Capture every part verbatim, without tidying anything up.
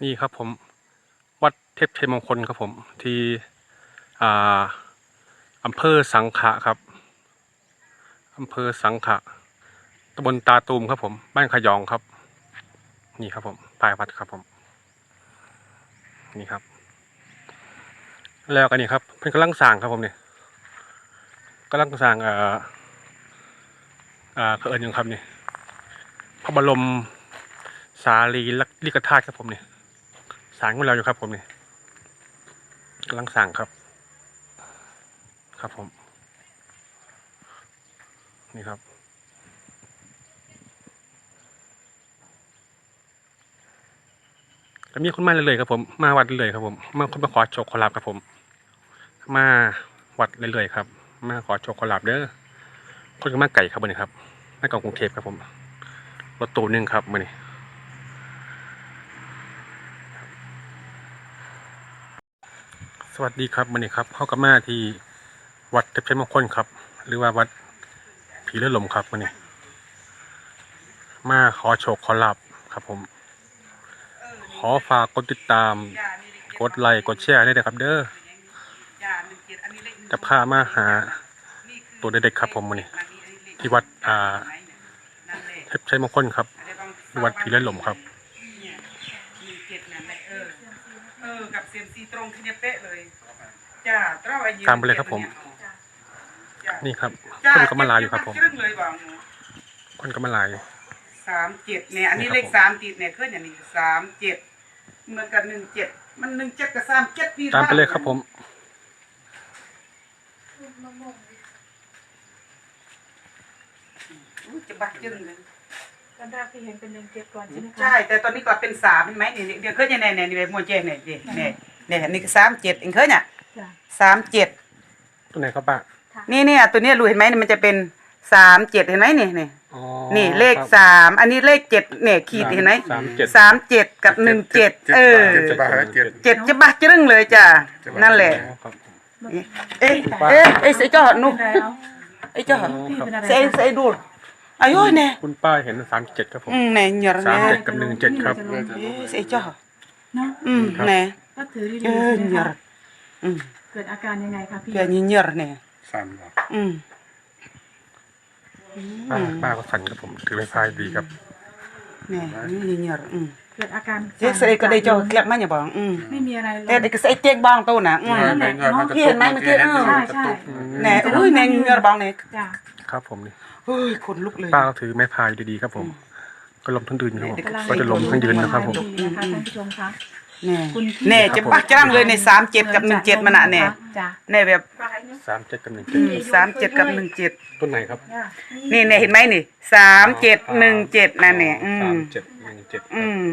นี่ครับผมวัดเทพชัยมงคลครับผมที่อ่าอำเภอสังขะครับอำเภอสังขะตำบลตาตูมครับผมบ้านขยองครับนี่ครับผมปลายวัดครับผมนี่ครับแล้วกันนี่ครับเพิ่งกำลังสร้างครับผมเนี่ยกำลังสร้างเอ่ออ่าเอิญยังครับนี่พระบรมสารีริกธาตุครับผมเนี่ยสร้างของเราอยู่ครับผมเนี่ยกำลังสร้างครับครับผมนี่ครับก็มีคนมาเลยๆครับผมมาวัดเลยๆครับผมมาคนมาขอโชคขอลาบครับผมมาวัดเลยๆครับมาขอโชคขอลาบเด้อคนก็มาไก่ครับวันนี้ครับมาจากกรุงเทพครับผมรถตู้หนึ่งครับวันนี้สวัสดีครับวันนี้ครับเข้ากับมาที่วัดเทพชัยมงคลครับหรือว่าวัดผีเลือดลมครับวันนี้มาขอโชคขอลาบครับผมขอฝากกดติดตามกดไลค์กดแชร์ได้เลยครับเด้อจะพามาหาตัวเด็กๆครับผมวันนี้ที่วัดอ่าเทพชัยมงคลครับวัดผีเลือดลมครับตามไปเลยครับผมนี่ครับคนก็มาลายอยู่ครับผมคนก็มาลายสามเจ็ดเนี่ยอันนี้เลขสามติดเนี่ยขึ้นอย่างนี้สามเจ็ดเหมือนกับหนึ่งเจ็ดมันหนึ่งเจ็ดกับสามเจ็ดดีตามไปเลยครับผมจะบักจึงเลยตอนแรกที่เห็นเป็นหนึ่งเจ็ดก่อนใช่ไหมคะใช่แต่ตอนนี้ก็เป็นสามเห็นไหมเนี่ยเดี๋ยวขึ้นอย่างไหนเนี่ยเนี่ยโมเจเนี่ยเนี่ยเนี่ยเนี่ยนี่ก็สามเจ็ดเองขึ้นเนี่ยสามเจ็ดตัวไหนครับป้านี่เนี่ยตัวเนี้ยรู้เห็นไหมเนี่ยมันจะเป็นสามเจ็ดเห็นไหมนี่นี่นี่เลขสามอันนี้เลขเจ็ดเนี่ยขีดเห็นไหมสามเจ็ดกับหนึ่งเจ็ดเออเจ็ดจะบ้าจึ้งเลยจ้ะนั่นแหละเอ๊ะเอ๊ะไอ้เสยจ่อหนูไอ้จ่อเสยเสยดูอายุเนี่ยคุณป้าเห็นสามเจ็ดครับผมอืมเนี่ยเหยอะสามเนี่ยเจ็ดกับหนึ่งเจ็ดครับเสยจ่อเนาะอืมเนี่ยก็ถือดีเออเหยอะอืมเกิดอาการยังไงคะพี่เกิดเหยอะเนี่ยสั่นหรออืมป้าป้าก็สั่นครับผมถือไม้พายดีครับเนี่ยนี่เหยอะอืมเกิดอาการเจ๊เสยก็ได้จ่อเกลียบมาอย่าบอกอืมไม่มีอะไรเลยแต่เด็กเสยเตียงบ้างตัวน่ะอืมพี่เห็นไหมเมื่อกี้เออใช่ใช่เนี่ยอุ้ยเนี่ยเหยอะบ้างเนี่ยครับผมนี่เฮ้ยขนลุกเลยป้าก็ถือไม้พายดีๆครับผมก็ล้มทั้งยืนครับผมก็จะล้มทั้งยืนนะครับผมนะคะท่านผู้ชมคะเนี่ยเนี่ยจะปักจ้างเลยในสามเจ็ดกับหนึ่งเจ็ดมันอ่ะเนี่ยเนี่ยแบบสามเจ็ดกับหนึ่งเจ็ดสามเจ็ดกับหนึ่งเจ็ดต้นไหนครับนี่เนี่ยเห็นไหมนี่สามเจ็ดหนึ่งเจ็ดนั่นเนี่ยอืสามมเจ็ดหนึ่งเจ็ดอืม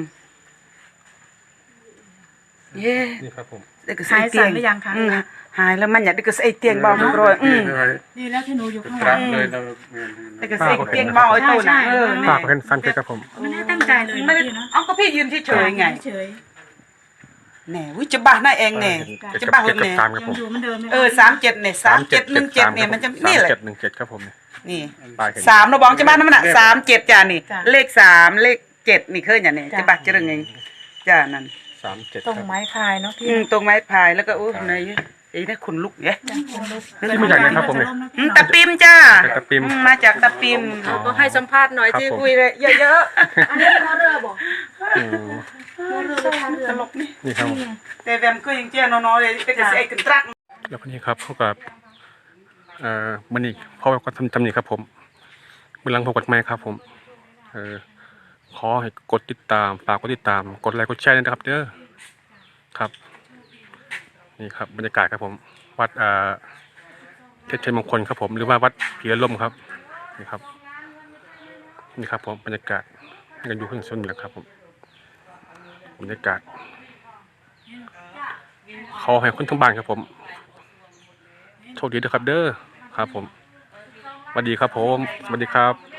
เย้นี่ครับผมหายสั่นหรือยังคะหายแล้วมันอยากได้ก็ใส่เตียงเบาทุกรอยอืมนี่แล้วที่หนูอยู่ข้างหลังเลยเราได้ก็ใส่เตียงเบาไอ้ตัวน่ะเออป้าก็เห็นฟันเจ็ดครับผมไม่ได้ตั้งใจเลยไม่ได้เอาก็พี่ยืนเฉยๆไงเฉยแหน่วิจะบ้าหน้าเองแหน่จะบ้าเลยเนี่ยอยู่เหมือนเดิมเออสามเจ็ดเนี่ยสามเจ็ดหนึ่งเจ็ดเนี่ยมันจะนี่แหละเจ็ดหนึ่งเจ็ดครับผมนี่สามเราบอกจะบ้านั่นน่ะสามเจ็ดจ้านี่เลขสามเลขเจ็ดนี่เคยอย่างนี้จะบ้าจะเรื่องไงจ้านั่นสามเจ็ดตรงไม้พายเนาะพี่ตรงไม้พายแล้วก็อู้ในไอ้นี่ขนลุกเนี่ยนี่มาจากไหนครับผมเนี่ยตะปิมจ้าตะปิมมาจากตะปิมก็ให้สัมภาษณ์หน่อยที่คุยเลยเยอะๆอันนี้เป็นเรือบอกเรือตลกนี่นี่ครับแต่แวมก็ยังเจ้าน้อยๆเลยแต่ก็ใส่กันตรักแล้วคนนี้ครับเขากับเอ่อมันนี่พ่อก็ทำทำนี่ครับผมเบื้องหลังผมกดไม้ครับผมเออขอให้กดติดตามฝากกดติดตามกดไลค์กดแชร์นะครับเด้อครับนี่ครับบรรยากาศครับผมวัดเอ่อเทพชัยมงคลครับผมหรือว่าวัดผีลมครับนี่ครับนี่ครับผมบรรยากาศกันอยู่ข้างชนนี่แหละครับผมบรรยากาศขอให้คนทั้งบ้านครับผมโชคดีด้วยครับเด้อครับผมสวัสดีครับผมสวัสดีครับ